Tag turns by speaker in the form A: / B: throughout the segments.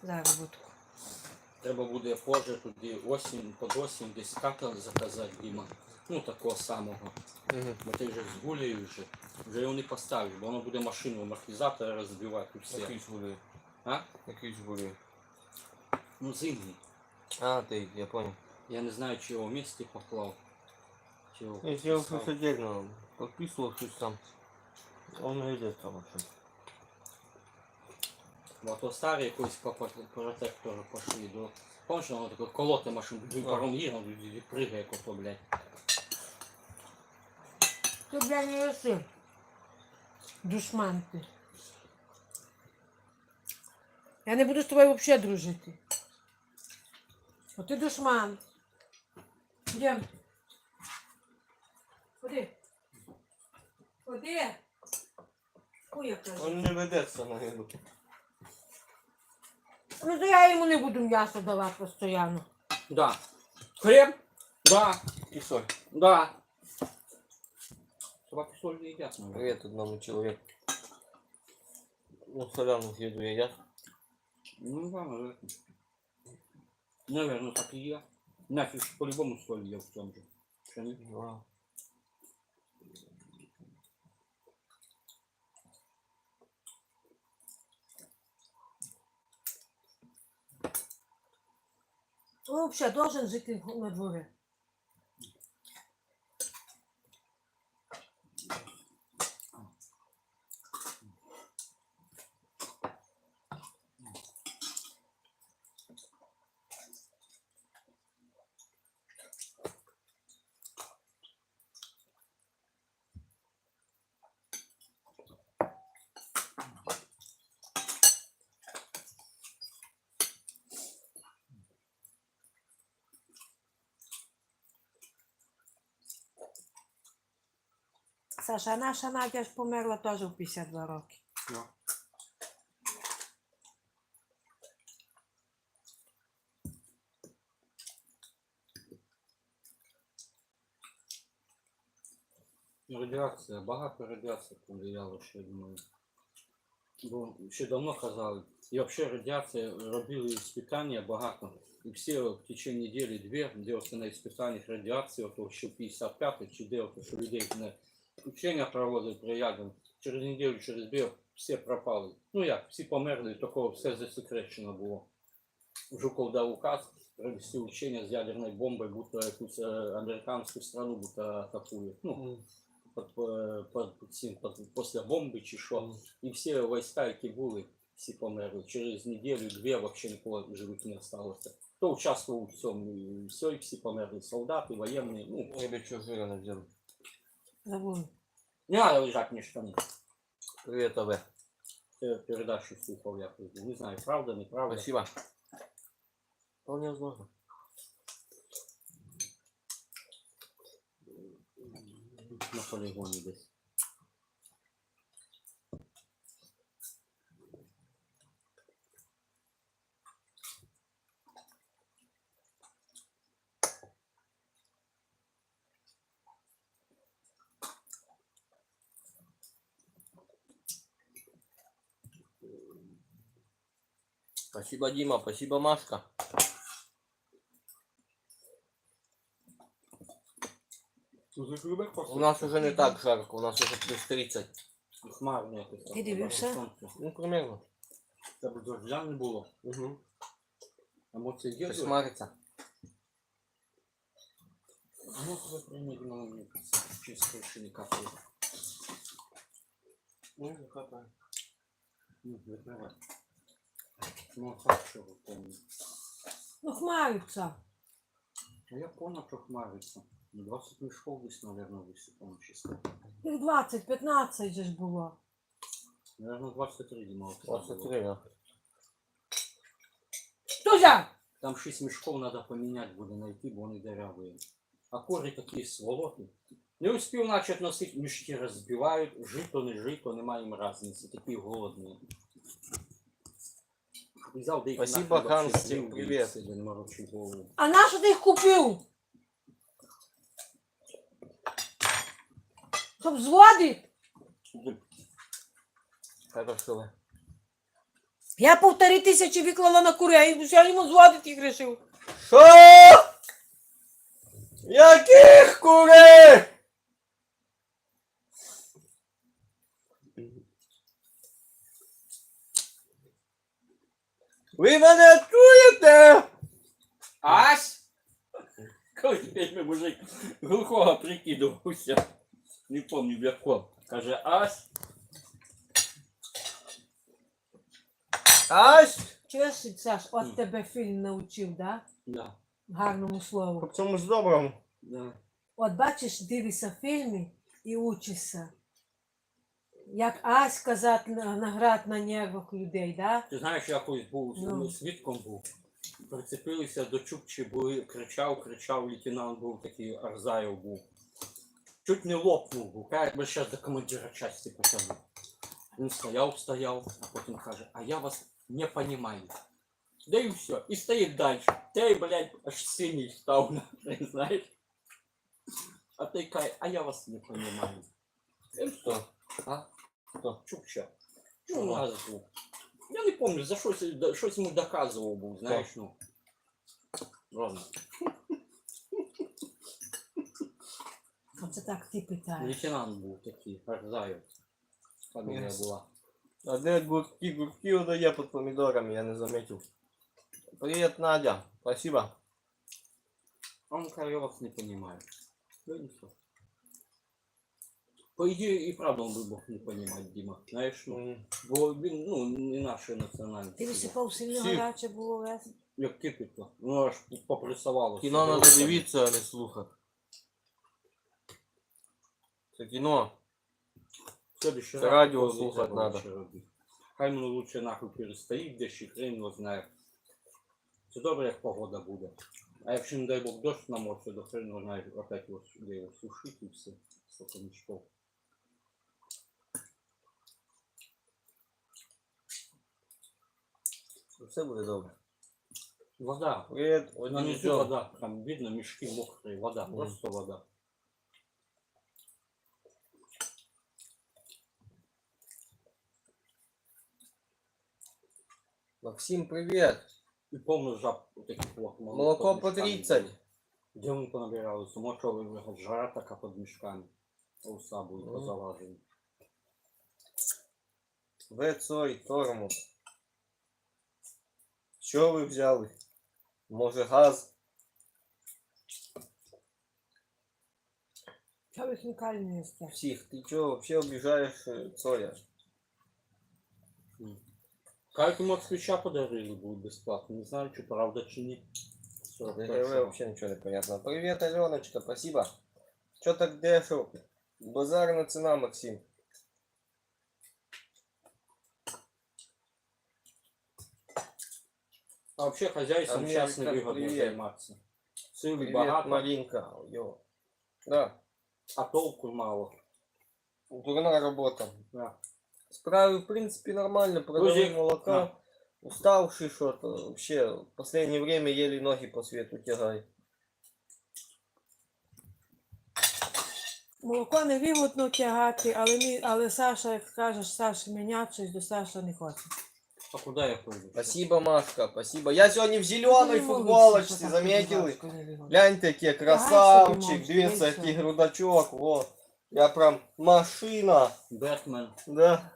A: заробітку.
B: Треба буде позже тоді під осінь десь катер заказати, Діма. Ну, такого самого. Бо ти вже з гулею вже його не поставиш, бо воно буде машину амортизатора розбивати і все.
C: Якийсь гулі.
B: А?
C: Якийсь гулі.
B: Ну, зимній.
C: А, ты, я понял.
B: Я не знаю, чи його в місті поклав. Чи його
C: Я сделал
B: писав.
C: что отдельно. Подписывал что сам. Он идет там вообще.
B: Бо то старі якось по протектору пошли. Помниш, воно таке колоти машину, паром їде, воно пригає, як ото, блядь.
A: Ти, блядь, не єси. Душман ти. Я не буду з тобою взагалі дружити. О, ти душман. Йдем. Ходи. Ходи. Ой, я кажу.
C: Он не ведется на еду.
A: Ну, то я йому не буду м'ясо давати постійно.
B: Да. Хліб? Да.
C: И соль.
B: Да. Собаки соль не едят, наверное.
C: Привет одному человеку. Ну, соляную еду едят.
B: Ну да, наверное, так и я. Нафиг по-любому соль ел в том же. Что не?
C: Да.
A: Он взагалі должен жити на дворі. Саша, а наша Надя ж померла теж у 52 роки.
B: Да. Радіація, багато радіації повлияло, що я думаю. Бо ще давно казали. І взагалі радіація робили іспитання багато. І всі в течение недели-дві делался на іспитаннях радіації, ото ще 55-й, чи де, що людей на учення проводили при ядом. Через неділю, через дві всі пропали. Ну як, всі померли, такого все засекречено було. Жуков дав указ провести учення з ядерною бомбою, будто якусь американську страну будто атакують. Ну, після бомби чи що. І всі війська, які були, всі померли. Через неділю-дві взагалі нікого живих не залишилося. Хто участвував у цьому, і все, і всі померли. Солдати, воєнні, ну.
C: Или что жира надел.
A: Забули.
B: Не треба лежати між штани.
C: Привет, АВ.
B: Передачу слухав я. Не знаю, правда, неправда.
C: Спасибо. Вполне возможно.
B: На полігоні десь.
C: Спасибо, Дима. Спасибо, Машка. У нас уже не так жарко, у нас уже плюс 30.
B: Хмарно якось.
A: Ти дивився?
C: Ну, примерно.
B: Це б дождя не було.
C: Угу.
B: Емоції є?
C: Кошмарится.
B: Ну, коли прийняти на мені чисто ще не капає.
C: Ну, не хватает.
B: Ну, відкривай. Ну, так що ви помните.
A: Ну, хмариться.
B: А я понял, що хмариться. 20 мішков десь, наверное, висипано чисто.
A: 20-15 же ж було.
B: Наверное, 23 Дима.
C: 23, да.
A: Хто взяв?
B: Там 6 мішков треба поміняти буде знайти, бо вони дырявые. А кори такі сволоти. Не успів начать носити, мішки розбивають, жито, не жито, немає їм різниці, такі голодні. Взяв, де їх
C: Спасибо,
B: нахуй
C: Ханс,
B: вообще з'їв,
C: привет.
B: і все, не морочи голову.
A: А на що ти їх купив? Щоб зводити?
C: Хорошо.
A: Я 1500 виклала на курей, я йому зводити їх рішив.
C: Що? Яких курей? Ви мене чуєте?
B: Ась! Колись п'ять мужик глухого прикидувався. Не помню в якого. Каже, Ась.
C: Ась?
A: Чуєш, Саш, от тебе фільм навчив, да?
B: Да,
A: Гарному слову.
C: По цьому ж доброму.
B: да.
A: От бачиш, дивишся фільми і учишся. Як Ась казати наград на нервах людей, да?
B: Ти знаєш, я колись був
A: Ну.
B: свідком був. Прицепилися до Чукчі, були, кричав, лейтенант був такий, Арзаєв був. Чуть не лопнув був, каже, якби ще до командира часті потягнув. Він стояв, а потім каже, а я вас не понимаю. Да і все, і стоїть далі. Ти, блядь, аж синій став, знаєш. А той каже, а я вас не понимаю. І все. А?
C: Хто?
B: Чукча.
C: Ну,
B: Чугаз був. Я не пам'ятаю, за щось йому доказував був, знаєш, ну. Ладно.
A: Оце так ти питаєш.
B: Лейтенант був такий, Арзаєв. Фамілія
C: Ясно.
B: була.
C: А де гурки удає під помідорами, я не заметив. Привіт, Надя. Спасибо.
B: А он каже, я вас не понимаю. Ну и все. По идее, и правда он бы мог не понимать, Дима. Знаешь, ну, бо він, ну, не нашої національності.
A: Ти висипав сильно
C: Всі.
A: гаряче було весь.
B: Як кипітло. Ну аж попресувалося.
C: Кіно треба дивитися, а не слухати. Це кіно.
B: Следующий
C: Це
B: раз
C: радіо
B: такого не
C: слухати
B: треба
C: надо.
B: лучше робити. Хай воно лучше нахуй перестоїть, де ще хрен його знає. Це добре, як погода буде. А якщо, не дай Бог, дощ намоче, то хрен його знає, опять його, де його сушить і все. Сколько мішков.
C: Все буде добре.
B: Вода.
C: Привіт,
B: На
C: один
B: низу
C: Джон.
B: вода. Там видно мешки мокрые. Вода.
C: Мгм.
B: Просто вода.
C: Максим, привіт.
B: И полный жаб вот таких вот.
C: Молоко по
B: мешками
C: 30.
B: было. Где он понабирался? Может, жара такая под мешками. Уса будет
C: Мгм.
B: позалазили.
C: Вецой, тормоз. Що ви взяли? Може газ?
A: Чого ви хінкалі не їсте?
C: Псих, ти чого вообще обіжаєш Цоя?
B: Как ему от ключа подарили будет бесплатно. Не знаю, что правда чи нет.
C: ДГВ вообще ничего не понятно. Привет, Аленочка, спасибо. Чё так дешево? Базарная цена, Максим.
B: А вообще хозяйством
C: Америка,
B: частно выгодно
C: привет.
B: заниматься. Силы
C: Привет,
B: богато,
C: Маринка. Йо. Да,
B: а толку мало.
C: дурная работа.
B: Да.
C: Справи, в принципе, нормально. Продаю
B: Грузик.
C: молока. Уставший что-то. Вообще, в последнее время еле ноги по свету тягай.
A: Молоко не вигодно тягати, але Саша, як скажеш, Саша міняти щось, до Саша не хоче.
B: А куда я пойду?
C: Спасибо, Машка, спасибо. Я сегодня в зеленой
A: Ну, не
C: футболочке,
A: молиться, що так
C: заметили?
A: важко, не вигодно.
C: Гляньте, який
A: Ага,
C: красавчик,
A: собі
C: дивіться,
A: можеш,
C: який
A: дивися.
C: грудачок, во. Я прям машина,
B: Бетмен.
C: да.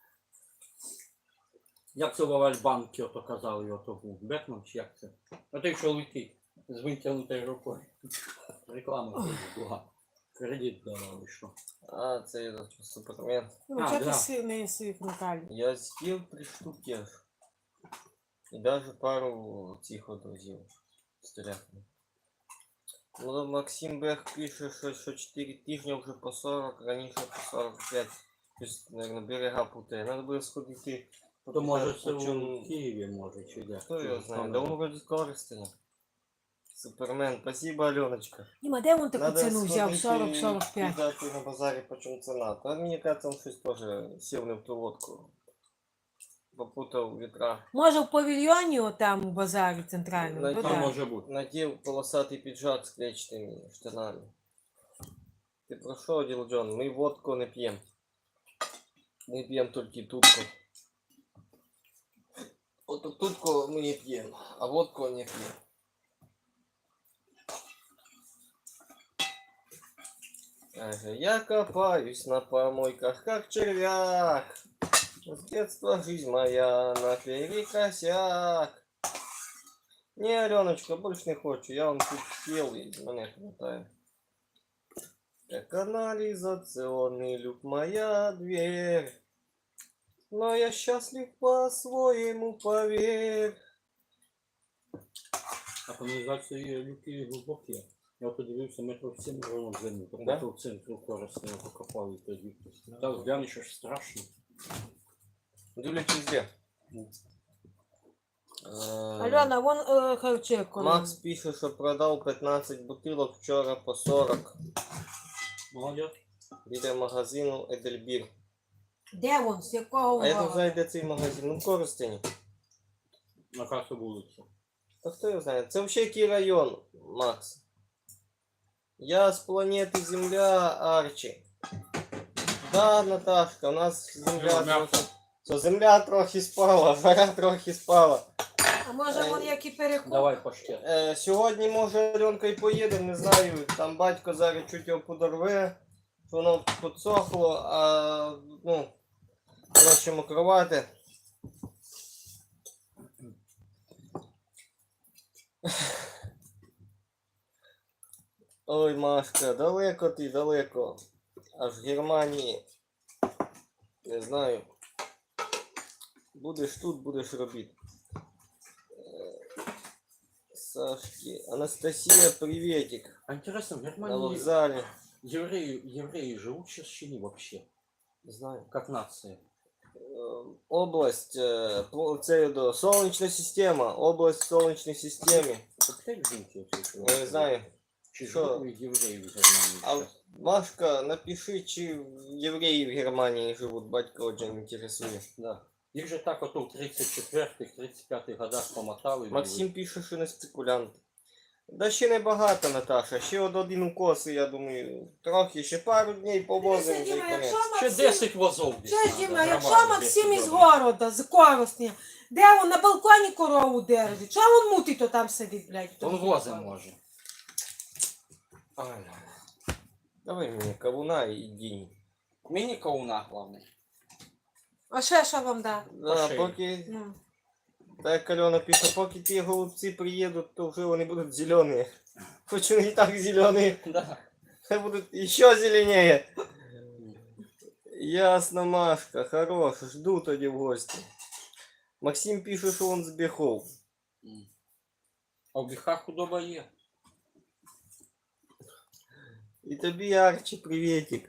B: Як це в Альбанки ото казали, ото був Бетмен чи як це? А той, що летить з витягнутою рукою. Реклама теж була. Кредит давали, що.
C: А, це этот супермен.
A: Ну,
B: А,
A: чого
B: да.
A: ти не їси хінкалі?
C: Я съел 3 штуки аж. И даже пару цих от возил. Стряхнув. Ну, Максим Бех пише, що 4 тижні вже по 40, раніше по 45. Тобто, наверное, берега путає. Надо буде сходити.
B: То може
C: попитати,
B: це
C: по
B: в
C: чому-
B: Києві, може, чи де.
C: Хто
B: Чи
C: його
B: що
C: знає?
B: не
C: Да он
B: знаю.
C: вроде скоро стоит. Супермен, спасибо, Аленочка.
A: Діма, де він таку
C: Надо
A: ціну взяв?
C: сходити
A: 40-45.
C: і дати на базарі, почем ціна. Та мені кажется, он щось теж сів не в ту лодку. Попутав вітра.
A: Може в павільйоні отам у базарі центральному?
C: Найти
A: То
B: Там
A: да.
B: може бути.
C: Надел полосатый пиджак с клетчатыми штанами. Ты про что, Дил Джон? Мы водку не пьем. Мы пьем только тутку. от тутку мы не пьем, а водку не пьем. Я копаюсь на помойках, как червяк. С детства жизнь моя наперекосяк. Не, Аленочка, больше не хочу. Я вам тут съел и меня хватает. Как канализационный люк моя дверь. Но я счастлив по-своему, поверь.
B: А каналізації люки глибокі. Я подивився метрів 7 ровно в землю. Так
C: Да?
B: в центрі корисне покопали тоді. Так глянеш, аж страшно.
C: Дивлячись де.
A: Альона, вон харчевку.
C: Макс пише, що продав 15 бутилок вчора по 40
B: Молодець.
C: біля магазину Едельбір.
A: Де вон? З якого
C: А я не
A: города?
C: знаю, де цей магазин. Ну, в Коростені.
B: На касу вулиця.
C: Та хто його знає? Це взагалі який район, Макс? Я з планети Земля, Арчі. Да, Наташка, у нас Земля трохи... Що, Земля трохи спала, жара трохи спала.
A: А може вон які перекуп?
B: Давай паштет.
C: Сьогодні, може, Альонка і поїде, не знаю. Там батько зараз чуть його подорве, що воно підсохло, а, ну, краще мокрувати. Ой, Машка, далеко ти, далеко. Аж в Германії. Не знаю. Будеш тут, будеш робити. Сашки. Анастасия, приветик.
B: А интересно, в
C: На
B: Германии
C: вокзале.
B: евреи живут сейчас чи не вообще?
C: Не знаю.
B: Как нация?
C: Область, це до Солнечная система. Область в Солнечной системе.
B: Как так жить?
C: Я не знаю.
B: Чи
C: Що?
B: живут евреи в Германии
C: А
B: сейчас?
C: Машка, напиши, чи евреи в Германии живут. Батька очень интересует.
B: Да. Их же так вот в 34-х, 35-х годах помотали.
C: Максим пише, що не спекулянт. Да ще не багато, Наташа. Ще один укос, і я думаю, трохи, ще пару днів повозимо вже й
A: Діма,
C: конець.
B: Ще 10 возов десь
A: Що ж,
B: надо,
A: Діма, якщо
B: нормально,
A: Максим
B: 10
A: із
B: возов.
A: города, з Коростня, де він на балконі корову держить? Чого він мутить то там сидить, блядь?
B: Он вози може.
C: Ай. Давай мені кавуна і дінь.
B: Мені кауна головне.
A: А ще що вам дати?
C: Да,
B: шиї.
C: поки,
A: Ну.
C: так Альона пише, поки ті голубці приїдуть, то вже вони будуть зелені. Хоч вони і так зелені,
B: Да.
C: хай будуть ще зеленіє. Ясно, Машка, хорош, жду тоді в гості. Максим пише, що він з Бєхов.
B: А в Біхах худоба є.
C: І тобі, Арчі, приветик.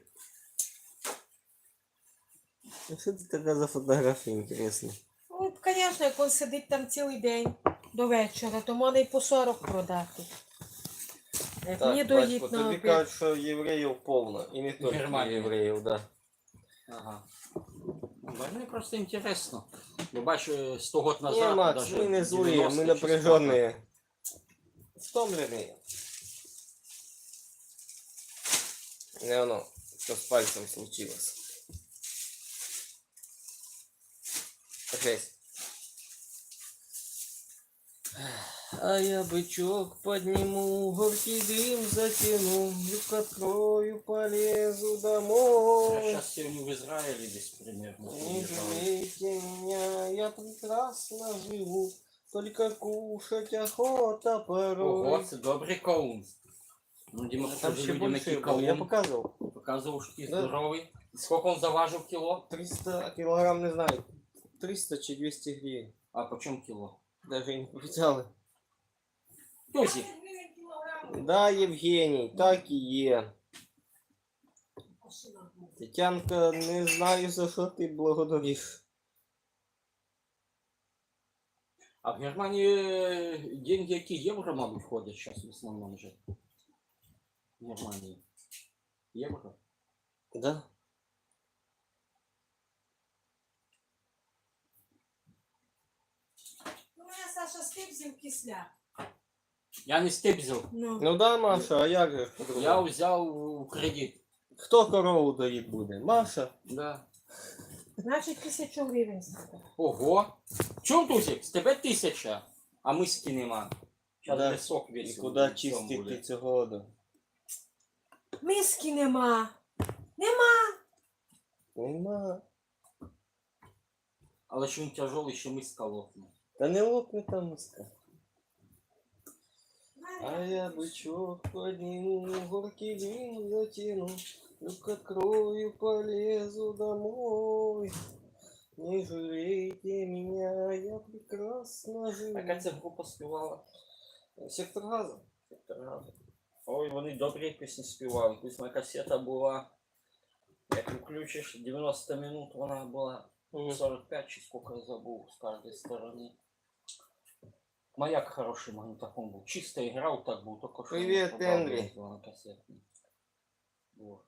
C: А що це така за фотографія, інтересно?
A: Ну, звісно, як він сидить там цілий день до вечора, то можна і по 40 продати. Як мені
C: Так, батько,
A: доїть на
C: тобі
A: обід.
C: кажуть, що євреїв повно. І не тільки
B: Германії.
C: євреїв, да.
B: Ага. Мені просто інтересно. Бо бачу, 100 років
C: Не,
B: назад,
C: Макс,
B: даже
C: мы не злые,
B: 90
C: мы
B: чи
C: напряженные. Втомленные. Не оно, что с пальцем случилось. Жесть. А я бычок подниму, горький дым затяну, люк открою, полезу
B: Я
C: домой.
B: сейчас сегодня в Израиле здесь примерно.
C: Не
B: приезжал.
C: жалейте меня, я прекрасно живу, только кушать охота порой.
B: Ого, це добрий каун. Ну, Діма,
C: Там
B: покажи
C: ще
B: людям,
C: більше
B: який
C: було, я
B: каун.
C: показував.
B: Показував, що такий
C: Да.
B: здоровий. Скільки він заважив кіло?
C: 300 килограмм, не знаю, 300 чи 200 гривен.
B: А по чому кіло?
C: Даже и не powiedziали.
B: Тузі.
C: Да, Євгеній, так і є. Тетянка, не знаю, за що ти благодариш.
B: А в Германії деньги, які євро, мабуть, входять зараз в основному вже. В Германії. Євро?
C: Да?
A: Ну, я, Саша, стипзів кисля.
B: Я не стебзив.
A: Ну.
C: Ну да, Маша, а як же ж
B: Я
C: по-другому?
B: взяв у кредит.
C: Хто корову доїть буде? Маша?
B: Да.
A: Значить, 1000 гривень стати.
B: Ого! Чому, Тусик? З тебе 1000, а миски нема. Зараз
C: Да.
B: пісок
C: І
B: весь.
C: куди
B: в цьому
C: чистити
B: буде.
C: цього года?
A: Миски нема. Нема.
C: Нема.
B: Але що він тяжелий, ще миска лопне.
C: Та не лопне там миска. А я бычок подниму, горький дым затяну, люк открою, полезу домой. Не жалейте меня, я прекрасно живу.
B: Яка ця група співала?
C: Сектор газа.
B: Сектор Газу. Ой, вони добрі пісні співали. Ось моя касета була, як включиш, 90 минут, вона була 45 чи сколько я забыл с каждой стороны. Маяк хороший магнитофон был. Чисто играл так был, только что.
C: Привет, Энри.
B: Вот.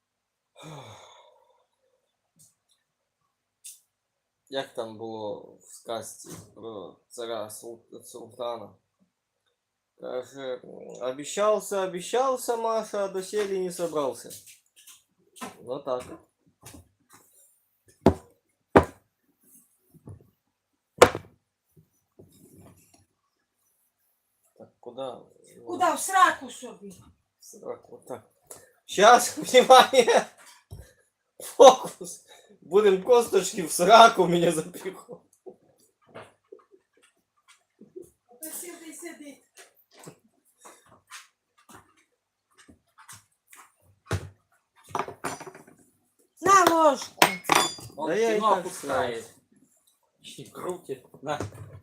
C: Як там було в сказці про царя Султана? Каже, обещался, Маша, а доселе не собрался. Вот так. Так, куда?
A: Куда? В сраку собі.
C: Так, вот так. Сейчас, внимание! Фокус! Будем косточки в сраку меня запиху.
A: Сиди, сиди. На ложку.
B: Он
C: Да я и
B: кино
C: так
B: пускает. И крутит. На.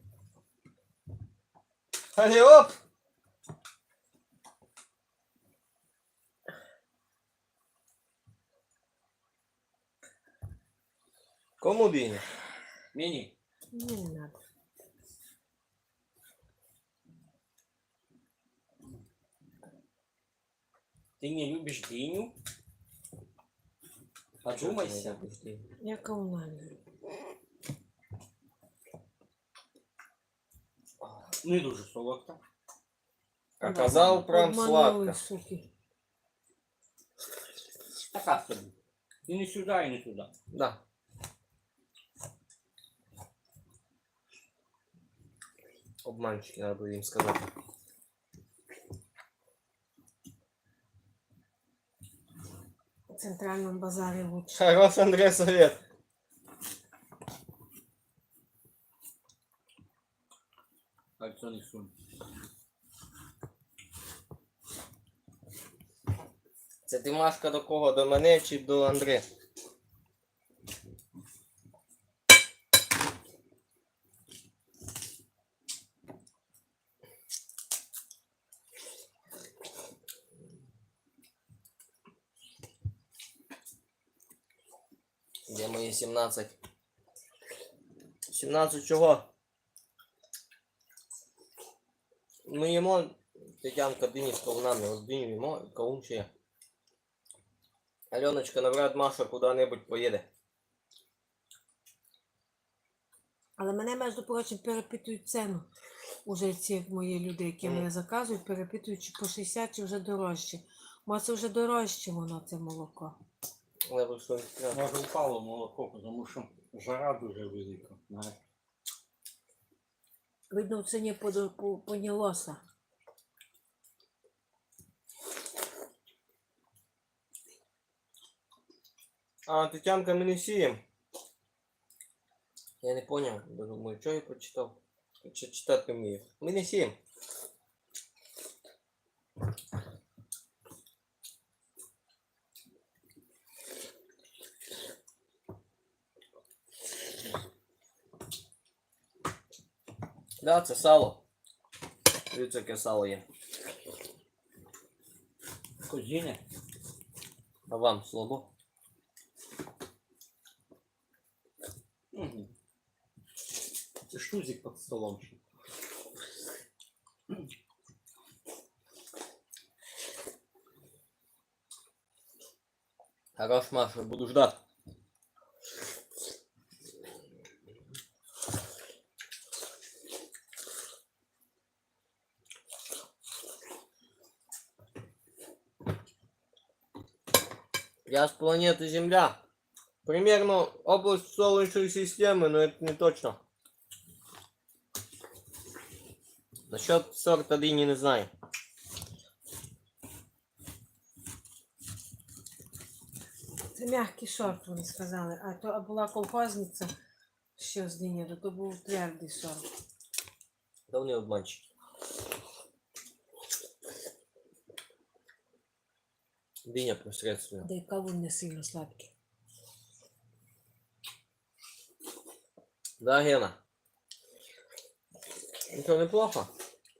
C: Али, оп! Кому бini?
B: Мини.
A: Не надо.
B: Ты не любишь дыню? Подумайся.
A: Я комунальна.
B: Не дуже солодко.
C: Оказал прям
A: Обманули,
C: сладко.
A: суки.
B: Така собі. І не сюди, і не туди.
C: Да. Обманщики, надо было им сказать.
A: В центральному базарі лучше.
C: Хорош, Андрей, совет.
B: Кольцо не сунь.
C: Це ти, Машка, до кого? До мене чи до Андрея? Де мої 17? 17 чого? Ми їмо, Тетянка, дині з кавунами, ось диню їмо, і кавун ще є. Альоночка, навряд Маша куди-небудь поїде.
A: Але мене, між прочим, перепитують ціну. Уже ці мої люди, які мене заказують, перепитують, чи по 60, чи вже дорожче. Може, це вже дорожче воно, це молоко.
C: Але ви що не треба.
B: Може упало молоко, тому що жара дуже велика. Знаєш.
A: Видно, в ціні понялося.
C: А, Тетянка, ми не сіємо. Я не поняв, бо думаю, що я прочитав? Чи читати не вмію. Ми не сіємо. Да, це сало. Дивіться, яке сало є.
B: Козіне.
C: А вам слабо?
B: Угу. Це штузик під столом ще.
C: Хорош, Маша, буду ждать. Я с планеты Земля. Примерно область Солнечной системы, но это не точно. Насчет сорта дыни не знаю.
A: Це м'який сорт, вони сказали. А то була колхозниця ще з Днією, то був твердий сорт.
C: Да вони обманщики. Дыня посредственно.
A: Да й кавун не сильно сладкий.
C: Да, Гена? Ну что, неплохо?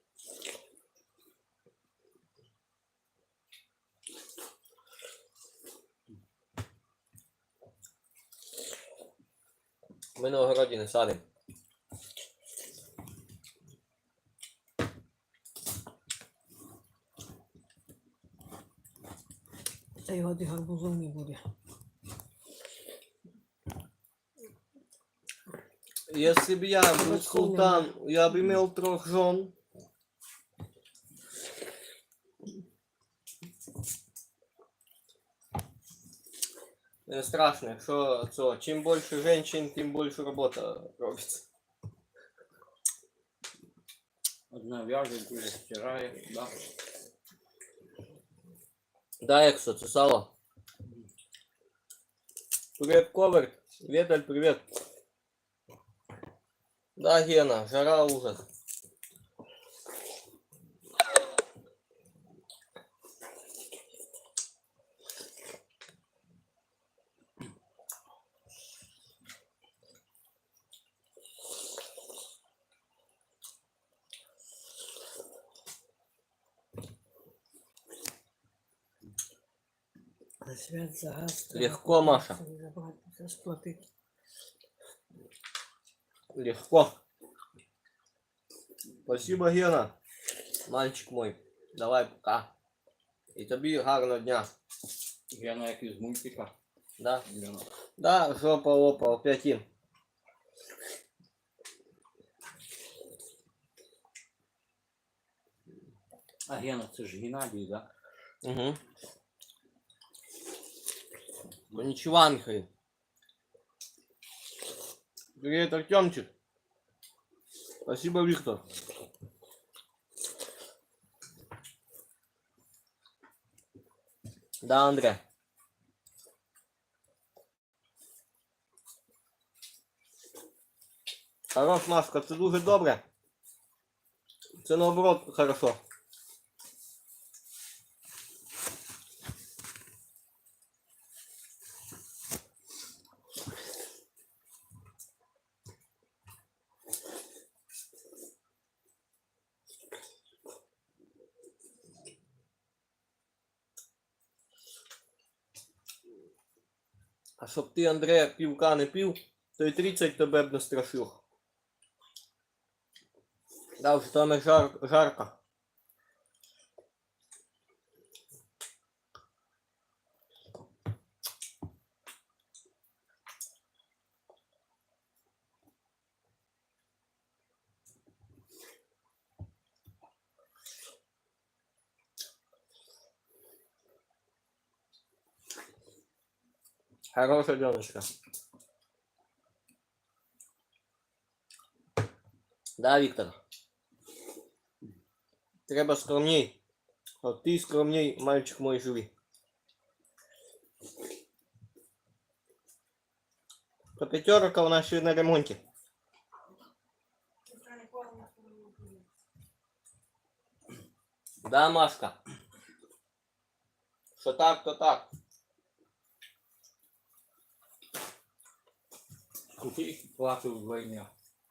C: Ми на огороді не садимо.
A: Та його де гарбузов не буде.
C: Если бы я был султан, я бы имел 3 жен. Не страшно, якщо це, чим більше женщин, тим більше робота робиться.
B: Одна вяже, друга стирає, да.
C: Да, Эксо, це сало. Привет, Ковер. Веталь, привет. Да, Гена, жара ужас.
A: На свят за газ.
C: Легко, Маша.
A: Забагато сплатити.
C: Легко. Спасибо, Гена. Мальчик мой. Давай, пока. І тобі гарного дня.
B: Я на як із мультика.
C: Да?
B: Гена.
C: Да, жопа лопа, опять им.
B: А Гена, це ж Геннадій, да?
C: Угу. Ну ничего, Михаил. Привет, Артемчик. Спасибо, Виктор. Да, Андрей. Хорош, Машка, це дуже добре. Це наоборот хорошо. А щоб ти, Андрея, півка не пив, то й 30 тебе б не страшив. Да, вже там і жарко. Хороша девочка. Да, Віктор. Треба скромней. От ти скромней, мальчик мой живий. То п'ятерка у нас ще на ремонті. Да, Машка. Що так, то так.
B: Купи плату вдвойне.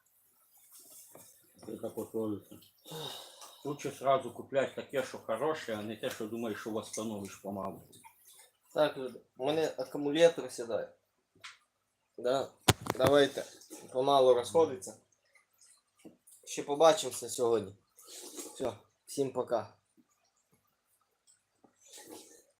B: Это потворится. Лучше сразу куплять таке, що хороше, а не те, що думаєш, що восстановиш помалу.
C: Так, люди, у мене акумулятор сідає. Да. Давайте. Помалу розходиться. Ще побачимося сьогодні. Все, всім пока.